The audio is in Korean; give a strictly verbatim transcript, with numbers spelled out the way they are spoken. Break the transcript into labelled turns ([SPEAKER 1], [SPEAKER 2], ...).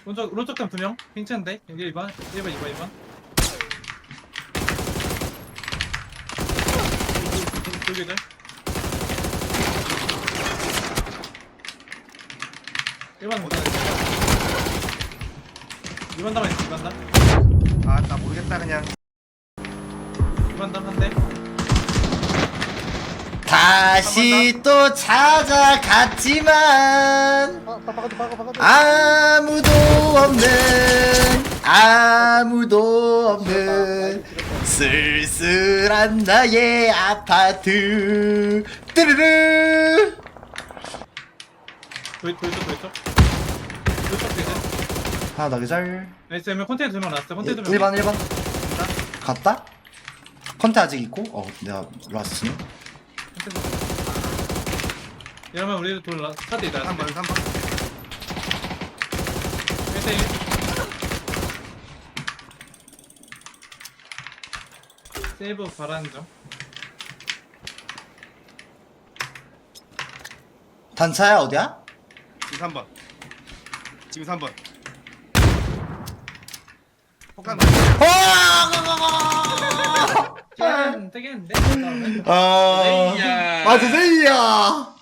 [SPEAKER 1] 오른쪽 오른쪽 점 두 명. 괜찮은데? 일 번, 일 번, 이 번, 이 번. 돌기들. 일 번 못하네. 이 번 담아 있어. 이 번 담.
[SPEAKER 2] 아 나 모르겠다 그냥.
[SPEAKER 1] 이 번 담 한 대.
[SPEAKER 3] 다시 또 찾아갔지만
[SPEAKER 4] 아, 박아도 박아 박아도.
[SPEAKER 3] 아무도 없는 아무도 없는 쓸쓸한 나의 아파트 뚜르르.
[SPEAKER 1] 돌 돌쪽 돌쪽. 돌쪽 되지.
[SPEAKER 3] 하나 더 기절.
[SPEAKER 1] 나이스. 면 컨테이너 두명 났어. 컨테이너 두 명.
[SPEAKER 3] 일 번 일 번 갔다? 컨테 아직 있고? 어 내가 라스트네.
[SPEAKER 1] 이러면 우리도 돌라. 카드 있다.
[SPEAKER 2] 삼 번 삼 번.
[SPEAKER 1] 일 대 일. 세이브 바라는 점.
[SPEAKER 3] 단차야 어디야?
[SPEAKER 2] 지금 삼 번. 지금 삼 번. 폭탄.
[SPEAKER 3] 어!
[SPEAKER 1] 되겠는데? 되겠는데?
[SPEAKER 3] 아
[SPEAKER 2] 제이야.
[SPEAKER 3] 맞아 제이야.